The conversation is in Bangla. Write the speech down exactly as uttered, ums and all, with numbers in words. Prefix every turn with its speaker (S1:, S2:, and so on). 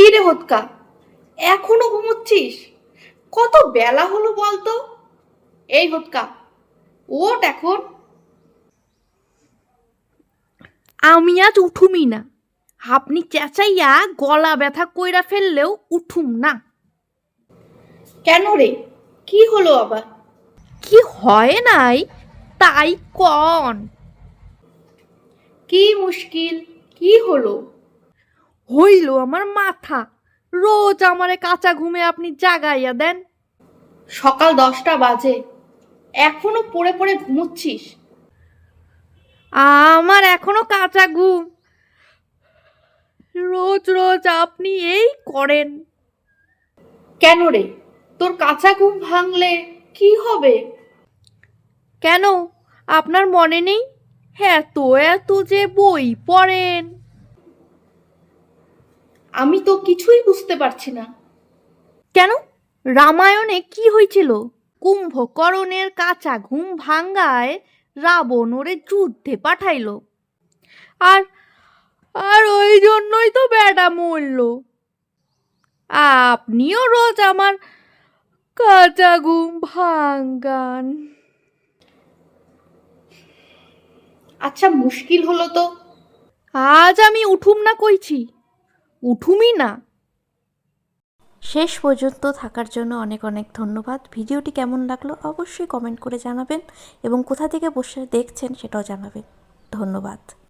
S1: কি রে হোতকা, এখনো ঘুমোচ্ছিস? কত বেলা হলো বলতো? এই হোতকা, ওঠ এখন।
S2: আমি আজ উঠুমই না। আপনি চেঁচাইয়া গলা ব্যথা কইরা ফেললেও উঠুম না।
S1: কেন রে, কি হলো আবার?
S2: কি হয় নাই তাই কন।
S1: কি মুশকিল, কি হলো?
S2: হইল আমার মাথা। রোজ আমারে কাঁচা ঘুমে আপনি জাগাইয়া দেন।
S1: সকাল দশটা বাজে, এখনো পড়ে পড়ে ঘুমোচ্ছিস?
S2: আমার এখনো কাঁচা ঘুম। রোজ রোজ আপনি এই করেন।
S1: কেন রে, তোর কাঁচা ঘুম ভাঙলে কি হবে?
S2: কেন আপনার মনে নেই? এত এত যে বই পড়েন।
S1: আমি তো কিছুই বুঝতে পারছি না।
S2: কেন, রামায়ণে কি হয়েছিল? কুম্ভকর্ণের কাঁচা ঘুম ভাঙ্গায় রাবণ ওরে যুদ্ধে পাঠাইল। আর আর ওই জন্যই তো বেটা মরল। আপনিও রোজ আমার কাঁচা ঘুম ভাঙ্গান।
S1: আচ্ছা, মুশকিল হলো তো।
S2: আজ আমি উঠুম না কইছি, উঠুমই না।
S3: শেষ পর্যন্ত থাকার জন্য অনেক অনেক ধন্যবাদ। ভিডিওটি কেমন লাগলো অবশ্যই কমেন্ট করে জানাবেন এবং কোথা থেকে বসে দেখছেন সেটাও জানাবেন। ধন্যবাদ।